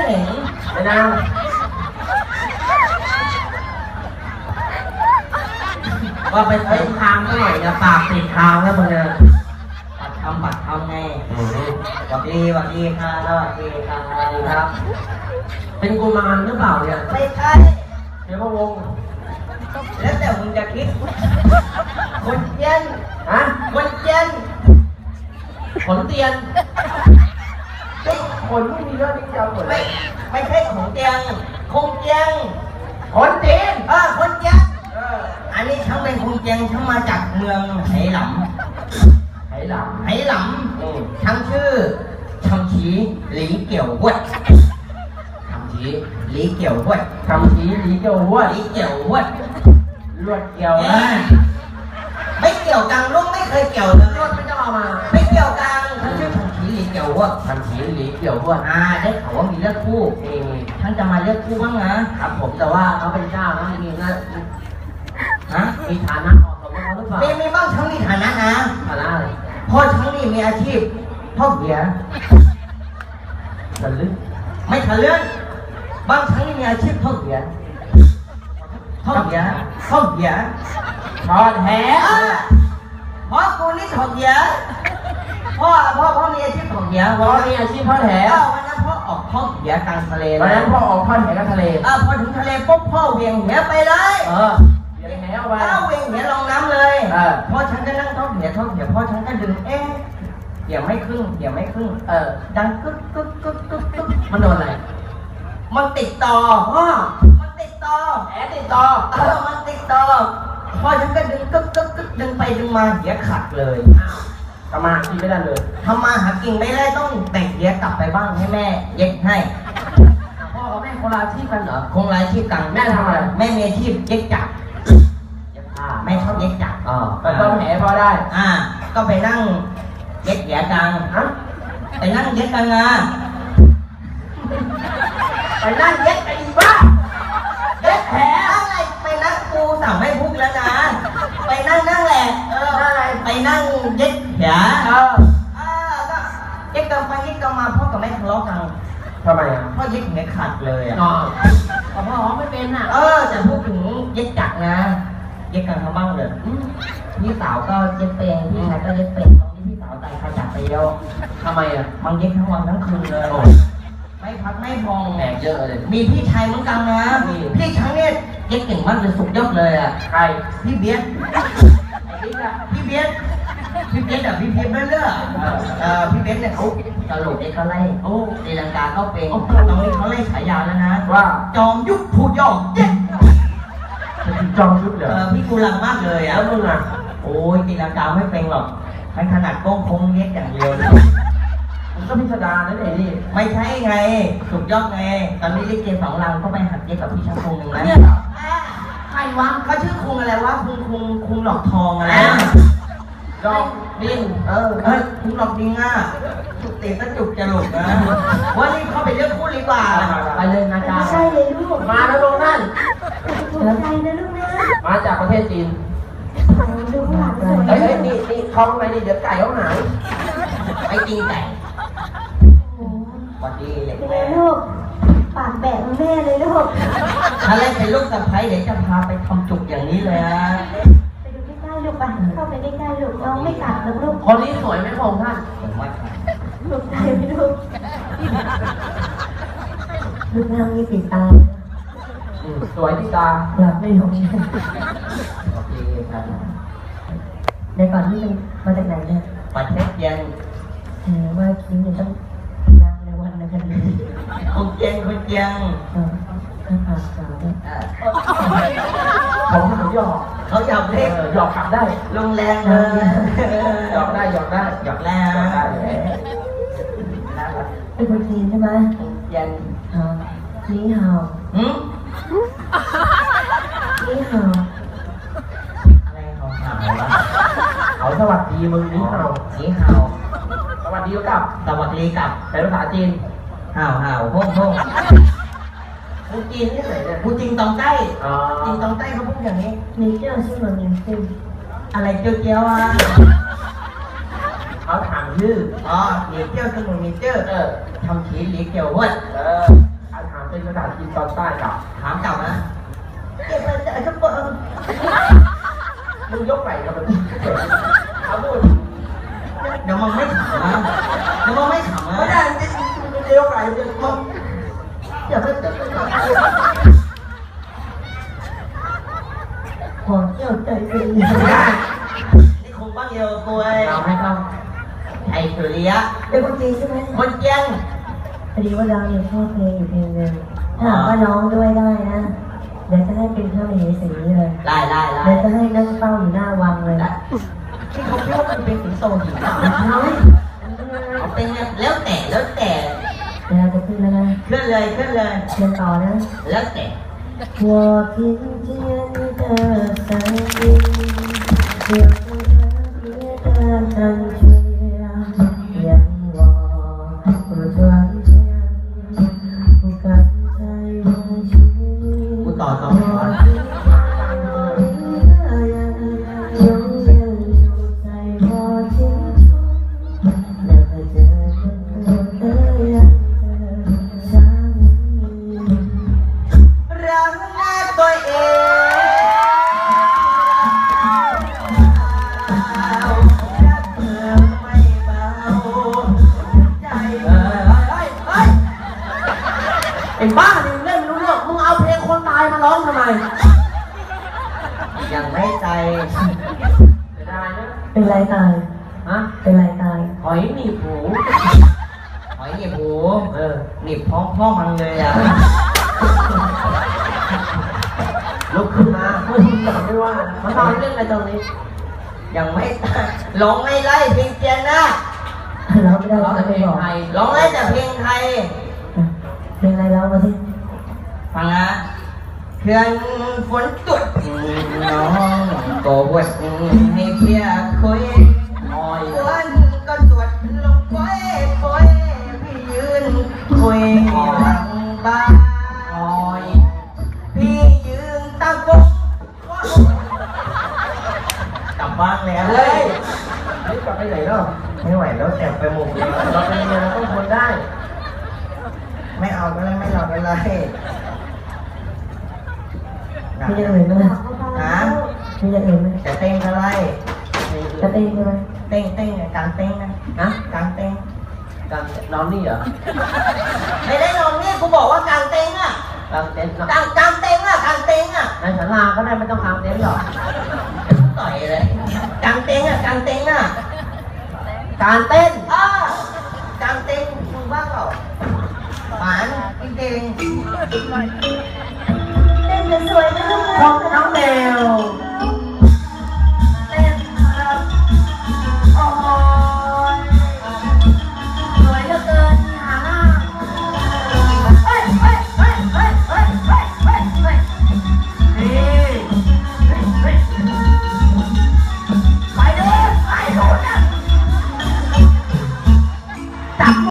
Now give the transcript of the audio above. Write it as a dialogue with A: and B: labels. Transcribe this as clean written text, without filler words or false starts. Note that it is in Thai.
A: เห็นไปนางว่าไปเส้นทางเท่าไหร่จะปากปิดทางแล้วมึงเนี่ยบัตรทำไงสวัสดีค่ะสวัสดีครับเป็นกุมารหรือเปล่าเนี่ยไม่ใช่เดี๋ยวพะวงแล้วแต่มึงจะคิดคนเย็นคนเย็นขนเตียนขนไม่มีเรื่องนี้จะขนไม่ใช่ของเตียงคงเตียงขนเตียนคนเตียงอันนี้ทั้งเป็นคงเตียงทั้งมาจากเมืองไหหลำทั้งชื่อชำชีหลีเกี่ยววัดชำชีหลีเกี่ยววัดลวดเกี่ยวไม่เกี่ยวกังลูกไม่เคยเกี่ยวเลยลวดไม่ต้องเอามาไม่เกี่ยวกังทั้งชื่อชำชีหลีเกี่ยววัดได้เขาว่ามีเลือกคู่ท่านจะมาเลือกคู่บ้างนะครับผมแต่ว่าเขาเป็นเจ้านะมีนะมีฐานะเหมาะสมกับเขาหรือเปล่ามีบ้างทั้งมีฐานะนะฐานะอะไรพ่อทั้งนี่มีอาชีพพ่อเหียทะลึ่งไม่ทะลึ่งบางทั้งนี่มีอาชีพพ่อเหียทอดแหพ่อกูนี่ทอดแหพ่อมีอาชีพทอดแหมีอาชีพทอดแหวันนั้นพ่อออกทอดแหกลางทะเลพอถึงทะเลปุ๊บพ่อเวียงแหไปเลยเวียงแหลงน้ำเลยพ่อฉันก็นั่งทอดแหพ่อฉันก็ดึงเดี๋ยวไม่ครึ่งดังกึ๊กมันโดนอะไรมันติดต่อมันติดต่อมันติดต่อพอฉันก็ดึงกึ๊กดึงไปดึงมาเหียขาดเลยทำมาหากินไม่ได้เลยทำมาหากินไม่ได้ต้องแบ่งเหียกลับไปบ้างให้แม่เย็บให้พ่อกับแม่คนละอาชีพกันเหรอคงละอาชีพกันแม่ทำอะไรแม่มีอาชีพเย็บจักรแม่ชอบเย็บจักรก็ต้องแหพอได้ก็ไปนั่งเย็บเหียกลางไปนั่งเย็บกลางไปนั่งเย็ดกันอีบ้าเย็ดแผลอะไรไปนั่งกูสั่งให้พูดแล้วนะไปนั่งแหละไปนั่งเย็ดแผลก็เย็ดกันไปเย็ดกันมาพ่อกับแม่ทะเลาะกันทำไมพ่อเย็ดแผลขาดเลยพ่อไม่เป็นแต่พูดถึงเย็ดจักนะเย็ดกันทำบ้างเลยพี่สาวก็เย็ดเป็นพี่ชายก็เย็ดเป็นตอนนี้พี่สาวใจขาดจากไปแล้วทำไมมันเย็ดทั้งวันทั้งคืนเลยไม่พักไม่พองแหกเยอะเลยมีพี่ชายเหมือนกันนะพี่ชายเนี่ยเย็ดเก่งมากเลยสุดยอดเลยใครพี่เบียดพี่เบียดพี่เบียดพี่เรื่อยพี่เบียดเนี่ยเขาตลกเด็กเขาไล่ตีลังกาเขาเป็นตอนนี้เขาไล่ฉายาแล้วนะว่าจอมยุทธผู้ยอมเย็ดจอมยุทธเหรอพี่กูรังมากเลยแล้วมึงโอ้ยตีลังกาไม่เป็นหรอกให้ขนาดโก้งคงเย็ดอย่างเดียวมันก็พิสดารนั่นเองนี่ไม่ใช่ไงสุดยอดไงตอนนี้ลิเก2 ลังก็ไปหัดเย็บกับพี่ช่างคงหนึ่งนะใครวะเขาชื่อคงอะไรวะคงหลอกทองอะไรดอกดินคงหลอกดินจุกเตะก็จุกจะหลุดนะว่านี่เขาไปเลือกคู่ดีกว่าไปเลยนะจ๊ะใช่เลยลูกมาแล้วลงนั่นใช่นะลูกนะมาจากประเทศจีนเฮ้ยนี่ท้องอะไรนี่เดี๋ยวไก่เขาหายไอ้จีนไก่สวัสดีแม่ลูกปากแบะแม่เลยลูกถ้าเล่นเป็นลูกสะใภ้เดี๋ยวจะพาไปทำจุกอย่างนี้เลยนะไปดูใกล้ๆลูกไปเข้าไปใกล้ๆลูกน้องไม่กัดหรอกลูกคนนี้สวยไหมผมท่านสวยมากลูกใจไหมลูกลูกนางมีสีตาสวยที่ตาหลับไม่ลงโอเคครับในก่อนที่มาจากไหนเนี่ยประเทศเย็นว่าคิดต้องวันนะครับคนเจียงเขาหยอกเล่นหยอกขับได้ลงแรงเลยหยอกได้เป็นคนจีนใช่ไหมยันนี่ฮาวนี่ฮาวอะไรของฮาววะเขาสวัสดีมึงนี่ฮาวสวัสดีกับเป็นภาษาจีนห่าวพงพูดจีนนี่เลยพูดจีนตองใต้เขาพูดอย่างนี้มีเจ้าชื่อเหมือนมีชื่ออะไรเจียวเขาถามชื่อมีเจ้าชื่อเหมือนมีเจ้าทำขีหลีเกี่ยววัด
B: เป็นภาษาจีนตอนใต้กับ
A: ถามกลับนะเก็บมันจะจะเปิด
B: มึงยกไหล่กับมันเอาพูด
A: เดี๋ยวมึงไม่ขำนะเดี๋ยวมึงไม่ขำนะ
B: ไม่ได้มึงจะยกไหล่มึง
A: อย่าไปขอเจ้าใจดีนี่คงบ้างเดียวตัว
B: เราไม่ต้อง
A: ไอ้สุริยะ
C: เป็นคนจีนใช่ไหม
A: คนเจียง
C: พอดีว่าเราเนี่ยชอบเพลงอยู่เพลงหนึ่งถ้าหากว่าร้องด้วยได้นะเดี๋ยวจะให้เป็นพระมเหสีเลย
A: ไล่
C: เดี๋ยวจะให้นั่งเฝ้าอยู่หน้าวังเลย
A: ที่เขาพูดมันเป็นสิงโตหินเอาเป็นแล้วแต่
C: เดี๋ยวจะขึ้นแล้วนะ
A: เคลื่อนเลย
C: เชิญต่อนะ
A: แล้วแต่
C: 我听见你的声音，有着特别的感觉，让我不断想，不敢再远去。我听见一个人永远留在我心中，那个这么的人的想你。
A: รักแม่ตัวเองรักเธอไม่เบาใจ
B: ไอ้บ้านี่เล่นไม่รู้เรื่องมึงเอาเพลงคนตายมาร้องทำไม
A: ยังไม่ใจ
B: ไม่ได้นะ
C: เป็นไรตาย
B: ฮะ
C: เป็นไรตาย
B: หอยหนีบหู
A: หอยหนีบหูหนีบพ่อมันเลยอ่ะ
B: ลุกขึ้นมาไม่ว่ามันนอนเล่นอะไรตรงนี้
A: ยังไม่ตายร้องไม่ไล่เพลงเจียนนะ
C: ร้องไม่ได้
B: ร้องแต่เพลงไทย
A: ร้องไล่แต่เพลงไทย
C: เพลงอะไรร้องมาสิ
A: ฟังนะเขื่อนฝนตกน้องก็บวชให้เพียคุยฝนก็ตรวจลงป่อยพี่ยืนคุยหลังบ้านพี่ยืนตั้งปุ๊บกลับบ้านแล้ว
B: เลยนี่กลับไปไหนแล้ว
A: ไม่ไหวแล้วแอบไปหมดเลย
B: เราเป็นเมียเราต้องทนได้
A: ไม่เอาก็เลยไม่เอาก็เลย
C: มีอย่างอื่นไหมล่ะมีอย่างอื่นไหม
A: จะเต้นก็ไล่
C: จะเต้นใช่ไหม
A: เต้นการเต้นนะการเต้น
B: การนอนนี่เหรอ
A: ไม่ได้นอนนี่กูบอกว่ากางเต้นอ่ะ
B: กางเต็นท์
A: กางเต็นท์อ่ะกางเต็นท์อ่ะ
B: ในศาลาก็ได้ไม่ต้องกางเต็นท์หรอก
A: ต่อยเลยกางเต็นท์อ่ะ
B: การเต้น
A: กางเต็นท์มึงบ้าเปล่าหวานจริง
C: เต้นสวยนะ
B: ของน้องเดว